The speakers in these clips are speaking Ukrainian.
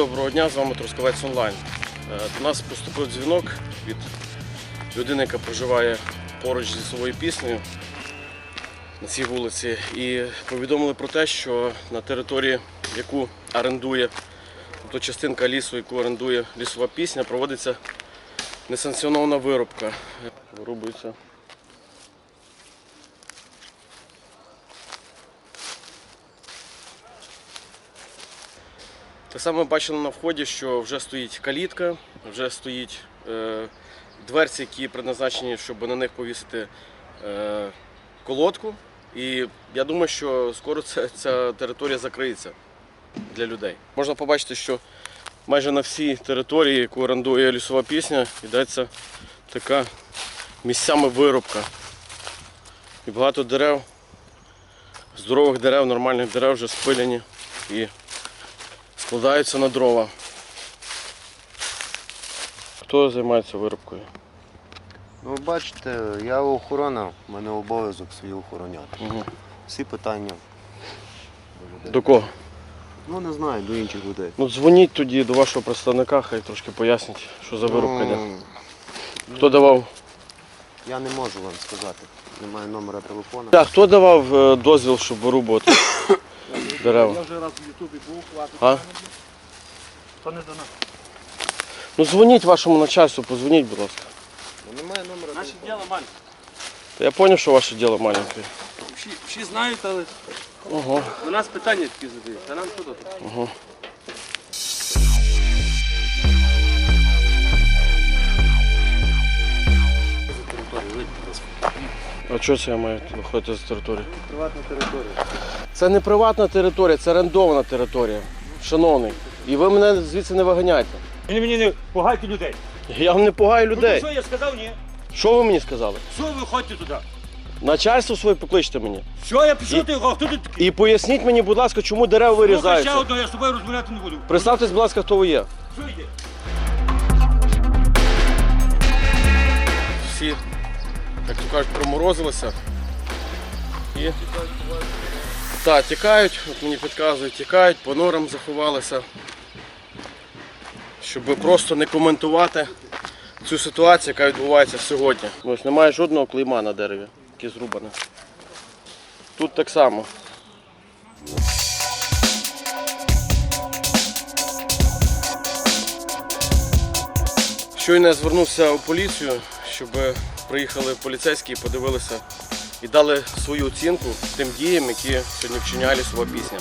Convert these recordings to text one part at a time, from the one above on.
доброго дня, з вами Трускавець Онлайн. До нас поступив дзвінок від людини, яка проживає поруч зі Лісовою піснею на цій вулиці. І повідомили про те, що на території, яку орендує, тобто частинка лісу, яку орендує Лісова пісня, проводиться несанкціонована вирубка. Вирубується. Так само ми бачили на вході, що вже стоїть калітка, вже стоїть дверці, які предназначені, щоб на них повісити колодку. І я думаю, що скоро ця територія закриється для людей. Можна побачити, що майже на всій території, яку орендує Лісова пісня, йдеться така місцями вирубка. І багато дерев, здорових дерев, нормальних дерев вже спилені і складаються на дрова. Хто займається вирубкою? Ну, бачите, я охорона, в мене обов'язок свій охороняти. Угу. Всі питання. До кого? Ну, не знаю, до інших людей. Ну, дзвоніть тоді до вашого представника, хай трошки пояснить, що за вирубка йде. Хто давав? Я не можу вам сказати. Немає номера телефону. А хто давав дозвіл, щоб вирубувати дерева? Я вже раз в Ютубі був, хватить. А? То не до нас. Ну, дзвоніть вашому начальству, позвоніть, будь ласка. Ну, немає номера Наше телефону. діло маленьке. Та я зрозумів, що ваше діло маленьке. Всі знають, але Ого. до нас питання такі задають. А нам що тут? Ого. А чого це я маю виходити з території? Приватна територія. Це не приватна територія, це орендована територія, шановний. І ви мене звідси не виганяйте. Ви мені не пугайте людей. Я вам не пугаю Ну, людей. що я сказав, ні? Що ви мені сказали? Що ви ходите туди? Начальство своє покличте мені. Що я пішов, ти хто тут такий? І поясніть мені, будь ласка, чому дерева Слухай, ще вирізаються. одного, я з тобою розмовляти не буду. Представтесь, будь ласка, хто ви є. Що йде? Всі, як то кажуть, проморозилися. І так, тікають, от мені підказують, тікають, по норам заховалися. Щоб просто не коментувати цю ситуацію, яка відбувається сьогодні. Ось немає жодного клейма на дереві, яке зрубане. Тут так само. Щойно я звернувся у поліцію, щоб приїхали поліцейські і подивилися і дали свою оцінку тим діям, які сьогодні вчиняє Лісова пісня.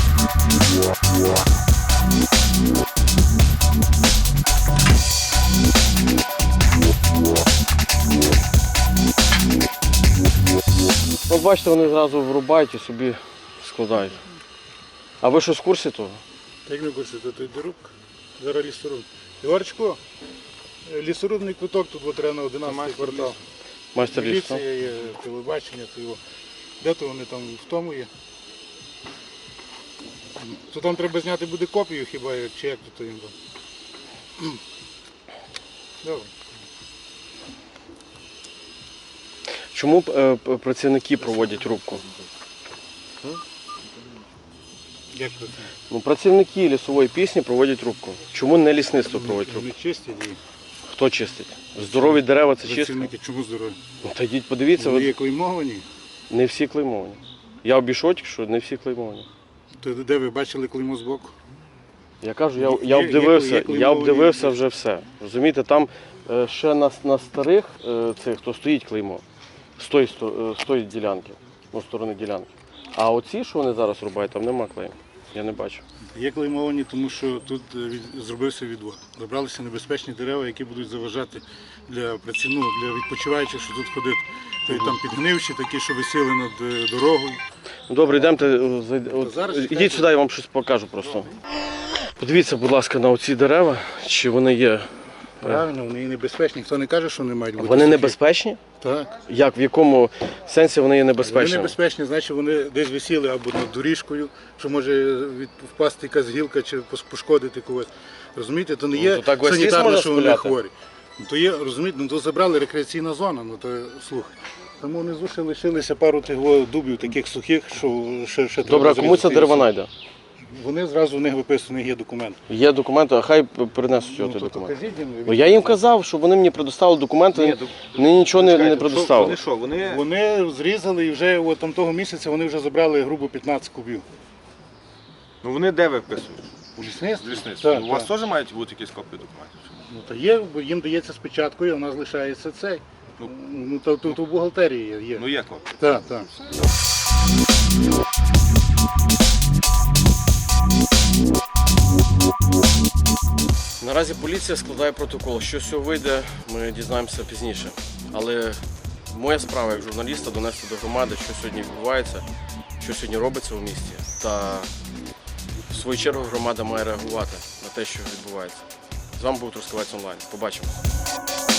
От бачите, вони зразу врубають і собі складають. А ви що, в курсі того? Як не курсі, то дорубка. Зараз лісоруб. Ігорчику, лісорубний квиток тут от треба на 11 квартал. Майстер лісу? Міліція є, телебачення, то його. Де то вони там в тому є? То там треба зняти буде копію хіба, чи як то їм там. Добре. Чому працівники проводять рубку? Як то це? Ну, працівники Лісової пісні проводять рубку. Чому не лісництво проводить рубку? Вони чистять її. Хто чистить? Здорові дерева це чистка? Працівники чому здорові? Ну, та йдіть подивіться, Вони є ви... клеймовані. не всі клеймовані. Я обійшов тільки, що не всі клеймовані. То де ви бачили клеймо збоку? Я кажу, Є я обдивився, клеймовані- я обдивився вже все. Розумієте, там ще на старих цих, то стоїть клеймо. З тої ділянки, ну, сторони ділянки. А оці, що вони зараз рубають, там нема клейму. Я не бачу. Є клеймовані, тому що тут зробився відвод. Забралися небезпечні дерева, які будуть заважати для для відпочиваючих, що тут ходити. То там підгнивші, такі, що висіли над дорогою. Добре, йдемте, зараз ідіть чекайте. сюди, я вам щось покажу просто. Подивіться, будь ласка, на оці дерева, чи вони є. Правильно, вони і небезпечні. Хто не каже, що вони мають бути. Вони сухі. небезпечні? Так. Як, в якому сенсі вони є Вони небезпечні? небезпечні, значить вони десь висіли або над доріжкою, що може впасти якась гілка чи пошкодити когось. Розумієте, то не є то так весь ліс санітарно, можна що вони спиляти. хворі. Ну, то є, розумієте, ну то забрали рекреаційна зона, ну то слухай. Тому внизу ще лишилися пару тих дубів таких сухих, що ще Добре, а треба кому ця зрізати. деревина йде? вони зразу в них виписаний є документ. Є документи, а хай принесуть його той то документ. кажіть їм, Ну, я їм казав, щоб вони мені предоставили документи, вони нічого не предоставили. Вони що, вони... Вони зрізали і вже от там того місяця вони вже забрали грубо 15 кубів. Ну вони де виписують? У лісництві? Лісництво. Так, У вас так. теж мають бути якісь копії документів? Ну, та є, бо їм дається спочаткою, а в нас лишається цей. Ну, то тут у бухгалтерії є. Ну є копії. Так, так. Наразі поліція складає протокол. Що з цього вийде, ми дізнаємося пізніше. Але моя справа як журналіста донести до громади, що сьогодні відбувається, що сьогодні робиться у місті. Та в свою чергу громада має реагувати на те, що відбувається. З вами був Трускавець онлайн. Побачимось.